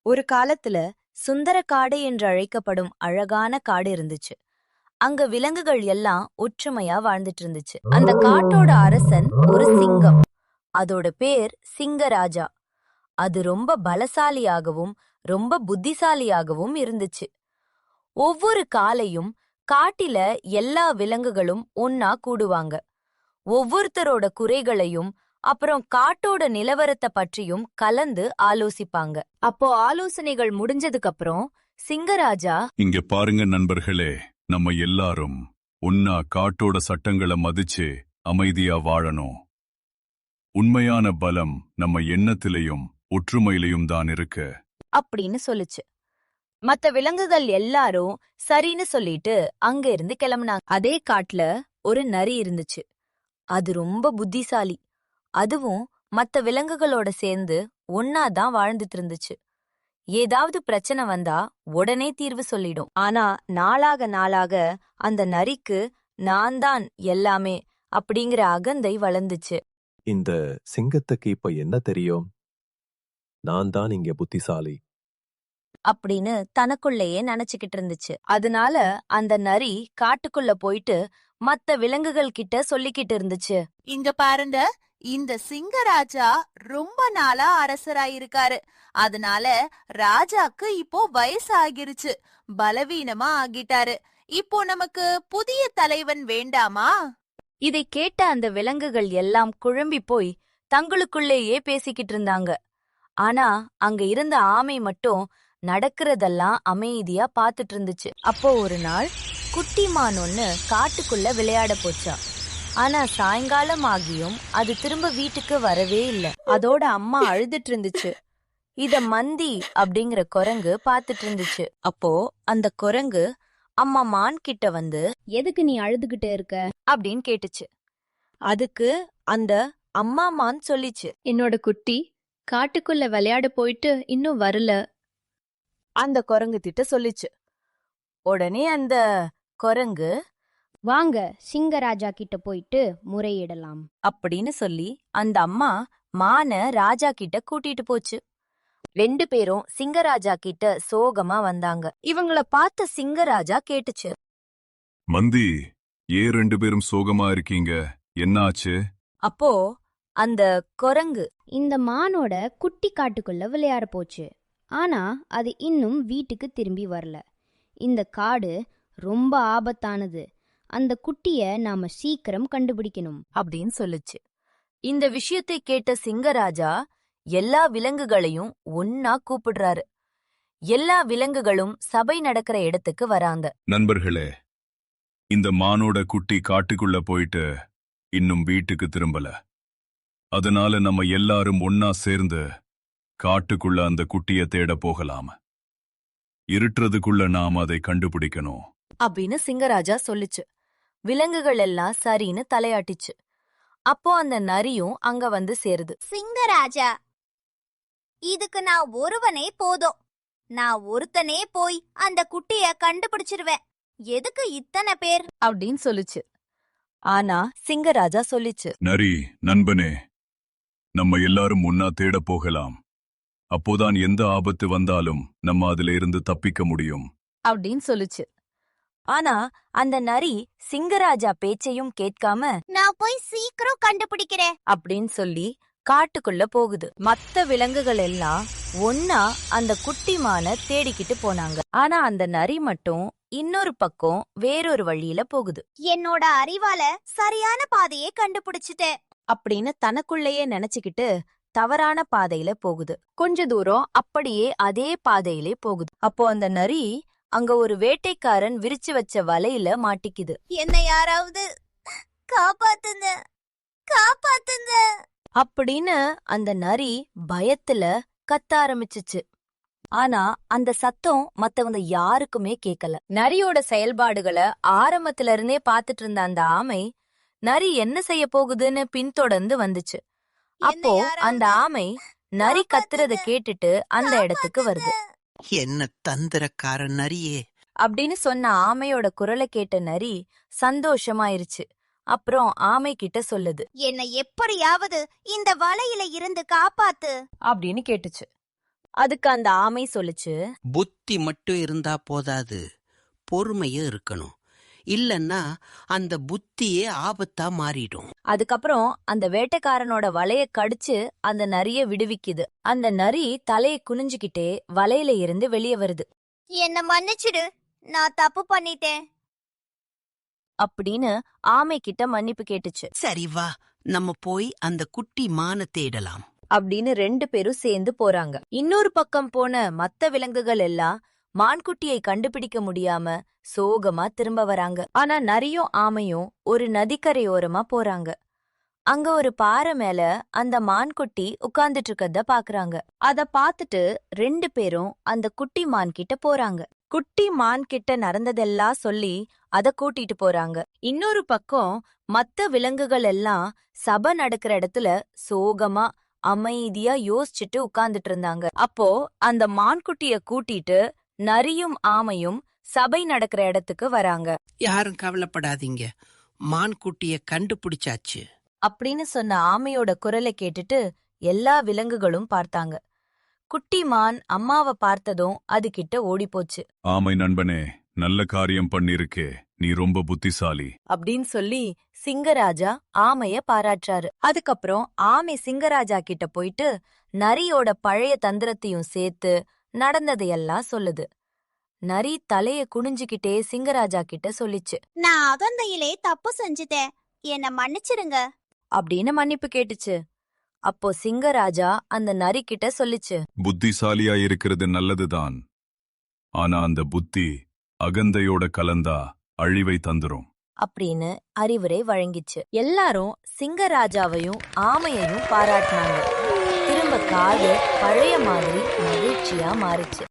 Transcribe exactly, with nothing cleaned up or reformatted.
ஒரு காலத்துல சுந்தரக்காடு என்று அழைக்கப்படும் அழகான காடு இருந்துச்சு. அங்க விலங்குகள் எல்லாம் ஒற்றுமையா வாழ்ந்துட்டு இருந்துச்சு. அந்த காட்டோட அரசன் ஒரு சிங்கம். அதோட பேர் சிங்கராஜா. அது ரொம்ப பலசாலியாகவும் ரொம்ப புத்திசாலியாகவும் இருந்துச்சு. ஒவ்வொரு காலையும் காட்டில எல்லா விலங்குகளும் ஒன்னா கூடுவாங்க. ஒவ்வொருத்தரோட குறைகளையும் அப்புறம் காட்டோட நிலவரத்தை பற்றியும் கலந்து ஆலோசிப்பாங்க. அப்போ ஆலோசனைகள் முடிஞ்சதுக்கு அப்புறம் சிங்கராஜா, இங்க பாருங்க நண்பர்களே, நம்ம எல்லாரும் ஒன்னா காட்டோட சட்டங்களை மதிச்சு அமைதியா வாழணும். உண்மையான பலம் நம்ம எண்ணத்திலையும் ஒற்றுமையிலையும் தான் இருக்கு அப்படின்னு சொல்லுச்சு. மத்த விலங்குகள் எல்லாரும் சரின்னு சொல்லிட்டு அங்க இருந்து கிளம்புனாங்க. அதே காட்டுல ஒரு நரி இருந்துச்சு. அது ரொம்ப புத்திசாலி. அதுவும் மத்த விலங்குகளோட சேர்ந்து ஒன்னாதான் வாழ்ந்துட்டு இருந்துச்சு. ஏதாவது பிரச்சனை வந்தா உடனே தீர்வு சொல்லிடும். ஆனா நாளாக நாளாக அந்த நரிக்கு நான் தான் எல்லாமே அப்படிங்கிற அகந்தை வளர்ந்துச்சு. இந்த சிங்கத்துக்கு இப்ப என்ன தெரியும்? நான் தான் இங்க புத்திசாலி அப்படின்னு தனக்குள்ளேயே நினைச்சுக்கிட்டு இருந்துச்சு. அதனால அந்த நரி காட்டுக்குள்ள போயிட்டு மத்த விலங்குகள் கிட்ட சொல்லிக்கிட்டு இருந்துச்சு. இங்க பாருங்க, இந்த சிங்கராஜா ரொம்ப நாளா அரசராயிருக்காரு. அதனால ராஜாக்கு இப்போ வயசு ஆகிருச்சு, பலவீனமா ஆகிட்டாரு. இப்போ நமக்கு புதிய தலைவன் வேண்டாமா? இதை கேட்ட அந்த விலங்குகள் எல்லாம் குழம்பி போய் தங்களுக்குள்ளேயே பேசிக்கிட்டு இருந்தாங்க. ஆனா அங்க இருந்த ஆமை மட்டும் நடக்கிறதெல்லாம் அமைதியா பாத்துட்டு இருந்துச்சு. அப்போ ஒரு நாள் குட்டி மான் ஒன்னு காட்டுக்குள்ள விளையாட போச்சா. ஆனா சாயங்காலம் ஆகியும் அது திரும்ப வீட்டுக்கு வரவே இல்ல. அதோட அம்மா அழுதுட்டு இருந்துச்சு. இத மந்தி அப்படிங்கிற குரங்கு பாத்துட்டு இருந்துச்சு. அப்போ அந்த குரங்கு அம்மா மான் கிட்ட வந்து, எதுக்கு நீ அழுதுகிட்டு இருக்க அப்படின்னு கேட்டுச்சு. அதுக்கு அந்த அம்மா மான் சொல்லிச்சு, என்னோட குட்டி காட்டுக்குள்ள விளையாட போயிட்டு இன்னும் வரல. அந்த குரங்கு திட்ட சொல்லிச்சு. உடனே அந்த குரங்கு, வாங்க சிங்கராஜா கிட்ட போயிட்டு முறையிடலாம் அப்படின்னு சொல்லி அந்த அம்மா மான ராஜா கிட்ட கூட்டிட்டு போச்சு. ரெண்டு பேரும் சிங்கராஜா கிட்ட சோகமா வந்தாங்க. இவங்கள பார்த்த சிங்கராஜா கேட்டுச்சு, மந்தி, ஏன் ரெண்டு பேரும் சோகமா இருக்கீங்க? என்னாச்சு? அப்போ அந்த குரங்கு, இந்த மானோட குட்டி காட்டுக்குள்ள விளையாட போச்சு. ஆனா அது இன்னும் வீட்டுக்கு திரும்பி வரல. இந்த காடு ரொம்ப ஆபத்தானது. அந்த குட்டிய நாம சீக்கிரம் கண்டுபிடிக்கணும் அப்படின்னு சொல்லுச்சு. இந்த விஷயத்தை கேட்ட சிங்கராஜா எல்லா விலங்குகளையும் ஒன்னா கூப்பிடுறாரு. எல்லா விலங்குகளும் சபை நடக்கிற இடத்துக்கு வராங்க. நண்பர்களே, இந்த மானோட குட்டி காட்டுக்குள்ள போயிட்டு இன்னும் வீட்டுக்கு திரும்பல. அதனால நம்ம எல்லாரும் ஒன்னா சேர்ந்து காட்டுக்குள்ள அந்த குட்டிய தேட போகலாம். இருட்டுறதுக்குள்ள நாம் அதை கண்டுபிடிக்கணும் அப்படின்னு சிங்கராஜா சொல்லுச்சு. விலங்குகள் எல்லாம் சரின்னு தலையாட்டிச்சு. அப்போ அந்த நரியும் அங்க வந்து சேருது. சிங்கராஜா, இதுக்கு நான் ஒருவனே போதும். நான் ஒருத்தனே போய் அந்த குட்டிய கண்டுபிடிச்சிருவேன். எதுக்கு இத்தனை பேர் அப்படின்னு சொல்லுச்சு. ஆனா சிங்கராஜா சொல்லிச்சு, நரி நண்பனே, நம்ம எல்லாரும் ஒன்னா தேட போகலாம். அப்போதான் எந்த ஆபத்து வந்தாலும் நம்ம அதுல இருந்து தப்பிக்க முடியும் அப்படின்னு சொல்லுச்சு. ஆனா அந்த நரி சிங்கராஜா பேச்சையும் கேட்காம, நான் போய் சீக்கிரம் கண்டுபிடிக்கிறேன் அப்படின்னு சொல்லி காட்டுக்குள்ள போகுது. மத்த விலங்குகள் எல்லாம் ஒன்னா அந்த குட்டிமான தேடிக்கிட்டு போனாங்க. ஆனா அந்த நரி மட்டும் இன்னொரு பக்கம் வேறொரு வழியில போகுது. என்னோட அறிவால சரியான பாதையை கண்டுபிடிச்சிட்டேன் அப்படின்னு தனக்குள்ளேயே நினைச்சுக்கிட்டு தவறான பாதையில போகுது. கொஞ்ச தூரம் அப்படியே அதே பாதையிலே போகுது. அப்போ அந்த நரி அங்க ஒரு வேட்டைக்காரன் விரிச்சு வச்ச வலையில மாட்டிக்குது. என்னை யாராவது காப்பாத்துங்க, காப்பாத்துங்க அப்படின்னு அந்த நரி பயத்துல கத்த ஆரம்பிச்சுச்சு. ஆனா அந்த சத்தம் மத்தவங்க யாருக்குமே கேட்கல. நரியோட செயல்பாடுகளை ஆரம்பத்துல இருந்தே பாத்துட்டு இருந்த அந்த ஆமை நரி என்ன செய்ய போகுதுன்னு பின்தொடர்ந்து வந்துச்சு. அப்போ அந்த ஆமை நரி கத்துறத கேட்டுட்டு அந்த இடத்துக்கு வருது. என்ன தந்திரக்கார நரியே அப்படின்னு சொன்ன ஆமையோட குரலை கேட்ட நரி சந்தோஷமாயிருச்சு. அப்புறம் ஆமை கிட்ட சொல்லுது, என்னை எப்படியாவது இந்த வலையில இருந்து காப்பாத்து அப்படின்னு கேட்டுச்சு. அதுக்கு அந்த ஆமை சொல்லுச்சு, புத்தி மட்டும் இருந்தா போதாது, பொறுமையும் இருக்கணும். இல்லன்னா அந்த புத்தியே ஆபத்தா மாறிடும். அதுக்கப்புறம் அந்த வேட்டைக்காரனோட வலைய கடிச்சு அந்த நரிய விடுவிக்குது. அந்த நரி தலையை குனிஞ்சுக்கிட்டே வலையில இருந்து வெளியே வருது. என்ன மன்னிச்சிடு, நான் தப்பு பண்ணிட்டேன் அப்படின்னு ஆமை கிட்ட மன்னிப்பு கேட்டுச்சு. சரி வா, நம்ம போய் அந்த குட்டி மான தேடலாம் அப்படின்னு ரெண்டு பேரும் சேர்ந்து போறாங்க. இன்னொரு பக்கம் போன மத்த விலங்குகள் எல்லாம் மான்குட்டியை கண்டுபிடிக்க முடியாம சோகமா திரும்ப வராங்க. ஆனா நரியும் ஆமையும் ஒரு நதிக்கரையோரமா போறாங்க. அங்க ஒரு பாறை மேல அந்த மான்குட்டி உட்கார்ந்துட்டு இருக்கத பாக்குறாங்க. அத பாத்துட்டு ரெண்டு பேரும் அந்த குட்டி மான் கிட்ட போறாங்க. குட்டி மான் கிட்ட நடந்ததெல்லாம் சொல்லி அத கூட்டிட்டு போறாங்க. இன்னொரு பக்கம் மத்த விலங்குகள் எல்லாம் சபை நடக்கிற இடத்துல சோகமா அமைதியா யோசிச்சுட்டு உட்கார்ந்துட்டு இருந்தாங்க. அப்போ அந்த மான்குட்டிய கூட்டிட்டு நரியும் ஆமையும் சபை நடக்கிற இடத்துக்கு வராங்க. யாரும் கவலைப்படாதீங்க, மான்குட்டிய கண்டுபிடிச்சாச்சு அப்படின்னு சொன்ன ஆமையோட குரலை கேட்டுட்டு எல்லா விலங்குகளும் பார்த்தாங்க. குட்டி மான் அம்மாவை பார்த்ததும் அது கிட்ட ஓடிப்போச்சு. ஆமை நண்பனே, நல்ல காரியம் பண்ணிருக்கே, நீ ரொம்ப புத்திசாலி அப்படின்னு சொல்லி சிங்கராஜா ஆமைய பாராட்டுறாரு. அதுக்கப்புறம் ஆமை சிங்கராஜா கிட்ட போயிட்டு நரியோட பழைய தந்திரத்தையும் சேர்த்து நடந்ததையெல்லாம் சொல்லுது. நரி தலைய குனிஞ்சுக்கிட்டே சிங்கராஜா கிட்ட சொல்லிச்சு, நான் அகந்தையிலே தப்பு செஞ்சுட்டேன், என்ன மன்னிச்சிருங்க அப்படின்னு மன்னிப்பு கேட்டுச்சு. அப்போ சிங்கராஜா அந்த நரி கிட்ட சொல்லிச்சு, புத்திசாலியா இருக்கிறது நல்லதுதான், ஆனா அந்த புத்தி அகந்தையோட கலந்தா அழிவை தந்துரும் அப்படின்னு அறிவுரை வழங்கிச்சு. எல்லாரும் சிங்கராஜாவையும் ஆமையையும் பாராட்டினாங்க. திரும்ப காடு பழைய மாதிரி மகிழ்ச்சியா மாறிச்சு.